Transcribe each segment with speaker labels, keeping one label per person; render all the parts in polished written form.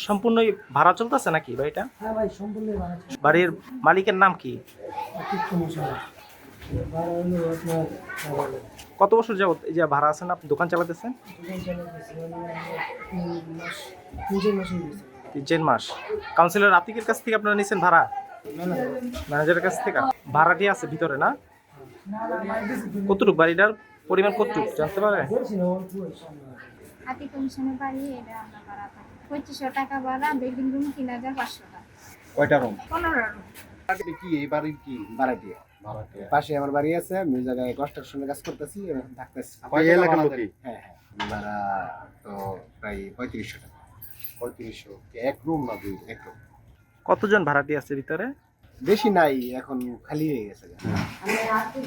Speaker 1: সম্পূর্ণই ভাড়া চলতেছে নাকি বাড়িটা?
Speaker 2: হ্যাঁ ভাই, সম্পূর্ণ ভাড়া।
Speaker 1: বাড়ির মালিকের নাম কি?
Speaker 2: ভাড়া হলো আপনার
Speaker 1: কত বছর যাবত এই যে ভাড়া আছেন, আপনি দোকান চালাতেছেন?
Speaker 2: দোকান চালাতেছি তিন মাস হয়ে গেছে।
Speaker 1: 3 মাস। কাউন্সিলর আতিকের কাছ থেকে আপনারা নিছেন ভাড়া?
Speaker 2: না না,
Speaker 1: ম্যানেজারের কাছ থেকে ভাড়াটি আছে ভিতরে না? কতটুক বাড়িটার পরিমাণ কতটুক জানতে পারে?
Speaker 2: বলছি না, অল্প সামনে।
Speaker 3: হাতি কমিশনের বাড়ি, এটা আমরা ভাড়া থাকি 2500 টাকা ভাড়া, বেডিং রুম 3500 টাকা।
Speaker 4: কয়টা রুম?
Speaker 3: 15 রুম।
Speaker 4: কি এই বাড়ির কি
Speaker 5: ভাড়াটিয়া।
Speaker 4: ভাড়াটিয়া?
Speaker 5: পাশে আমার বাড়ি আছে, আমি ওই জায়গায় কনস্ট্রাকশনের কাজ করতেছি, এখন থাকতেছি।
Speaker 4: এই এলাকার লোকই?
Speaker 5: হ্যাঁ হ্যাঁ, ভাড়া তো প্রায় 3500 টাকা।
Speaker 4: 3500? এক রুম না দুই?
Speaker 5: এক রুম।
Speaker 1: কতজন ভাড়াটি আছে ভিতরে?
Speaker 5: বেশি নাই, এখন খালি হয়ে গেছে।
Speaker 6: আমি আর্থিক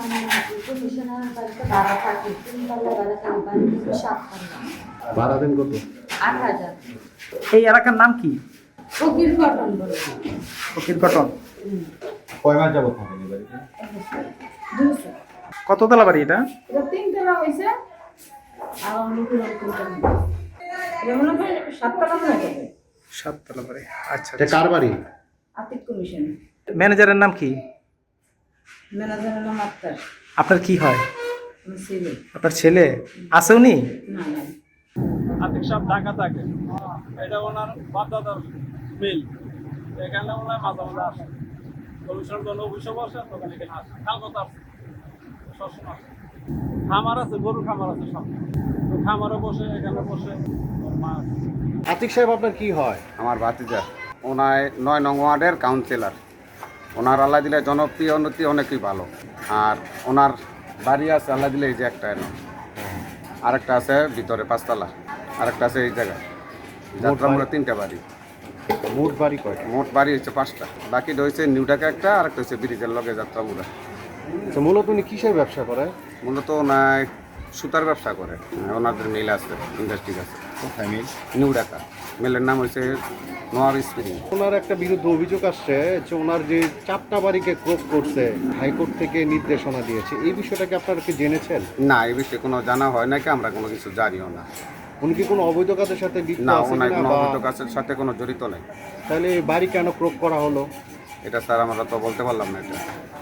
Speaker 6: কমিশনার বাড়িতে ভাড়া থাকি, 3 তলা ভাড়া থাকি, বাড়ি থেকে 7 তলা।
Speaker 4: ভাড়া দেন কত?
Speaker 6: 8000।
Speaker 1: এই এলাকার নাম কি?
Speaker 6: ফকির কটন বলে।
Speaker 1: ফকির কটন।
Speaker 4: কয় মাস যাবত থাকেন এই বাড়িতে?
Speaker 6: 200।
Speaker 1: কততলা বাড়ি এটা?
Speaker 6: এটা 3 তলা হইছে, আর অন্যগুলো 3 তলা। এটা মনে হয় 7 তলা মনে হবে।
Speaker 1: 7 তলা বাড়ি। আচ্ছা।
Speaker 4: এটা কার বাড়ি?
Speaker 6: আর্থিক কমিশন।
Speaker 1: ম্যানেজারের নাম কি?
Speaker 6: ম্যানেজারের নাম আক্তার।
Speaker 1: আপনার কি হয়?
Speaker 6: আমার ছেলে।
Speaker 1: আপনার ছেলে আছে উনি?
Speaker 6: না না।
Speaker 7: আতিক সাহেব ঢাকা থাকে, এটা ওনার বাপদাদার মিল। এখানে ওনার মাঝে মাঝে আসে, কমিশন জন্য অফিসে বসে, তখন এখানে আসে। কালকাতা আসে, সবসময় আসে। খামার আছে, গরুর খামার আছে সব, তো খামারে বসে, এখানে বসে ওর মা আছে।
Speaker 4: আতিক সাহেব আপনার কি হয়?
Speaker 8: আমার ভাতিজা, ওনায় 9 নং ওয়ার্ডের কাউন্সিলর। ওনার আল্লাহ দিলে জনপ্রিয় উন্নতি অনেকই ভালো। আর ওনার বাড়ি আছে আল্লাহ দিলে এই যে একটা এনে, আরেকটা আছে ভিতরে 5 তলা, আরেকটা আছে এই জায়গায়। যাত্রামূলে 3টা বাড়ি।
Speaker 4: মোট বাড়ি কয়টা?
Speaker 8: মোট বাড়ি হচ্ছে 5টা, বাকিটা হচ্ছে নিউ ঢাকা একটা, আরেকটা হচ্ছে ব্রিজের লগে যাত্রামূলে।
Speaker 4: তো মূলত উনি কিসের ব্যবসা করে?
Speaker 8: মূলত ওনায় সুতার ব্যবসা করে, ওনাদের মিল আছে, ইন্ডাস্ট্রি আছে
Speaker 4: কোথায় মিল?
Speaker 8: নিউ ঢাকা। মিলের নাম হচ্ছে নোয়ার স্প্রিং।
Speaker 4: ওনার একটা বিরুদ্ধে অভিযোগ আসছে যে ওনার যে 4টা বাড়িকে ক্রোপ করছে, হাইকোর্ট থেকে নির্দেশনা দিয়েছে, এই বিষয়টাকে আপনারা কি জেনেছেন?
Speaker 8: না, এই বিষয়ে কোনো জানা হয় নাকি, আমরা কোনো কিছু জানিও না।
Speaker 4: উনি কি কোনো অবৈধ কাজের সাথে লিপ্ত
Speaker 8: না,
Speaker 4: আছে
Speaker 8: ওনার
Speaker 4: কিনা,
Speaker 8: কোনো
Speaker 4: বা
Speaker 8: অবৈধ কাজের সাথে কোনো জড়িত নেই।
Speaker 4: তাহলে এই বাড়ি কেন ক্রোপ করা হলো?
Speaker 8: এটা স্যার আমরা তো বলতে পারলাম না এটা।